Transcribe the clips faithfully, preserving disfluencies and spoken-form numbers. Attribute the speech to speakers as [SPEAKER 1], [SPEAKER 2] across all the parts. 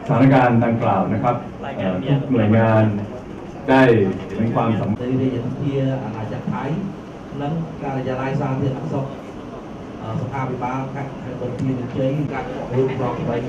[SPEAKER 1] ถานการณ์ดังกล่าวนะครับทุกหน่วยงานได้เห็นความสำคัญ
[SPEAKER 2] ในเรื่องที่อาจจะใช้นั้นการจะไล่สร้างเรื่องอักษรสภาพวิบากการบนที่เฉยการรูปครองไป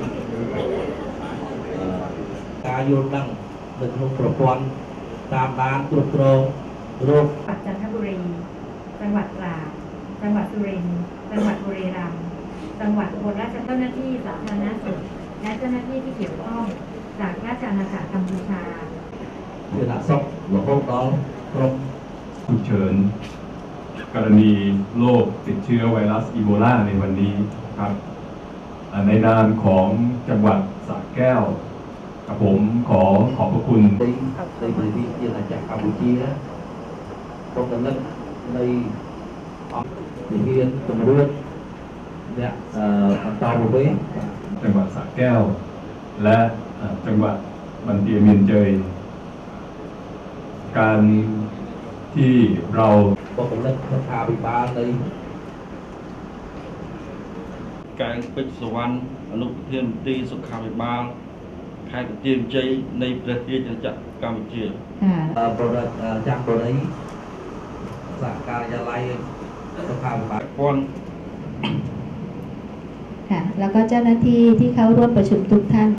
[SPEAKER 2] การโยนดังหนึ่งลงประกอบตามด้านตรวจโรคโรค
[SPEAKER 3] จันทบุรีจังหวัดตราดจังหวัดสุรินทร์จังหวัดบุรีรัมย์จังหวัดอุบลราชธานีเจ้าหน้าที่สาธารณสุขและเจ้าหน้าที่ที่เกี่ยวข้องจากราชอาณาจักรกัมพูชา
[SPEAKER 2] เพื่อส่งหลวงพ่อน้องกรม
[SPEAKER 1] ฉุกเฉินกรณีโรคติดเชื้อไวรัสอีโบลาในวันนี้ครับในนามของจังหวัดสระแก้วกับผมขอขอบพระคุณ
[SPEAKER 2] ในในบริเวณที่อาณาจักรกัมพูชีนะตรงนั้นในในเรียนตำรวจเนี่ยตามไป
[SPEAKER 1] จังหวัดสระแก้วและจังหวัดบันเตียเมียนเจยการที่เรา
[SPEAKER 2] บอกกันแล้วสภาพิบาลใน
[SPEAKER 4] การปิดสวรรค์อนุเทียนตีสุขาพิบาลใครเตรียมใจในประเทศจักรกัมพูชี
[SPEAKER 2] โปรดักจากตัวนี้สากการยาไลสภาพิบาล
[SPEAKER 4] คน
[SPEAKER 5] ค่ะแล้วก็เจ้าหน้าที่ที่เข้าร่วมประชุมทุกท่าน